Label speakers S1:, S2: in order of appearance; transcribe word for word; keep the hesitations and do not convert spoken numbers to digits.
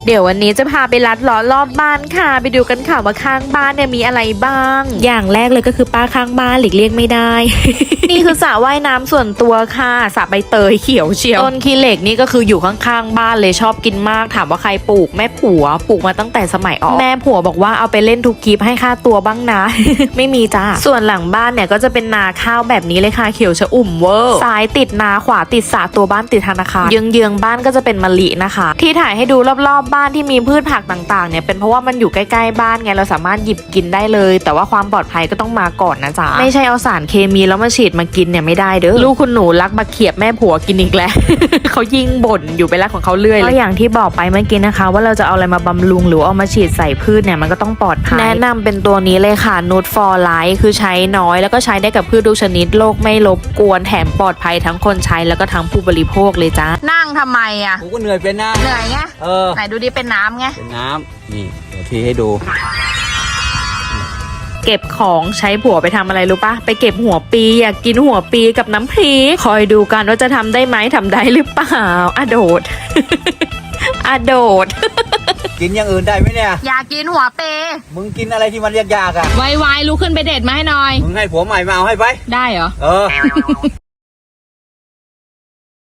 S1: เดี๋ยววันนี้จะพาไปลัดล้อรอบบ้านค่ะไปดูกันค่ะว่าข้างบ้านเนี่ยมีอะไรบ้าง อย่างแรกเลยก็คือป้าข้างบ้านหลีกเลี่ยงไม่ได้ นี่คือสระว่ายน้ำส่วนตัวค่ะสระใบเตยเขียวเชียวต้นขี้เหล็กนี่ก็คืออยู่ข้างๆบ้านเลยชอบกินมากถามว่าใครปลูกแม่ผัวปลูกมาตั้งแต่สมัยออกแม่ผัวบอกว่าเอาไปเล่นทุกคลิปให้ค่าตัวบ้างนะ ไม่มีจ้าส่วนหลังบ้านเนี่ยก็จะเป็นนาข้าวแบบนี้เลยค่ะเขียวชอุ่มเวอร์ซ้ายติดนาขวาติดสระตัวบ้านติดธนาคารเยื้องๆบ้านก็จะเป็นมะลินะคะที่ถ่ายให้ดูรอบๆบ้านที่มีพืชผักต่างๆเนี่ยเป็นเพราะว่ามันอยู่ใกล้ๆบ้านไงเราสามารถหยิบกินได้เลยแต่ว่าความปลอดภัยก็ต้องมาก่อนนะจ๊ะไม่ใช่เอาสารเคมีแล้วมาฉีดมากินเนี่ยไม่ได้เด้อลูกคุณหนูรักมาเขียบแม่ผัวกินอีกแล้ว เขายิ่งบ่นอยู่ไปแล้วของเขาเรื่อยก็อย่างที่บอกไปเมื่อกี้นะคะว่าเราจะเอาอะไรมาบำรุงหรือเอามาฉีดใส่พืชเนี่ยมันก็ต้องปลอดภัยแนะนำเป็นตัวนี้เลยค่ะนูตฟอร์ไลท์คือใช้น้อยแล้วก็ใช้ได้กับพืชทุกชนิดโรคไม่รบกวนแถมปลอดภัยทั้งคนใช้แล้วก็ทั้งผู้บริโภคเลยจ้านั่งทำไมอ่ะ
S2: กูก็เหนื่อยเป็นนะ
S1: เหนื่อยไง
S2: เออ
S1: ไหนดูดิเป็นน้ำไง
S2: เป็นน้ำนี่เดี๋ยวทีให้ดู
S1: เก็บของใช้ผัวไปทำอะไรรู้ปะไปเก็บหัวปีอยากกินหัวปีกับน้ำพริกคอยดูกันว่าจะทำได้ไหมทำได้หรือเปล่าอะโดด อะโดด
S2: กินอย่างอื่นได้ไหมเนี่ย
S1: อยากกินหัวเป
S2: มึงกินอะไรที่มันยากๆอ่ะ
S1: ไวๆลุกขึ้นไปเด็ดมาให้หน่อย
S2: มึงให้ผัวใหม่มาเอาให้ไป
S1: ได้เหรอ
S2: เออ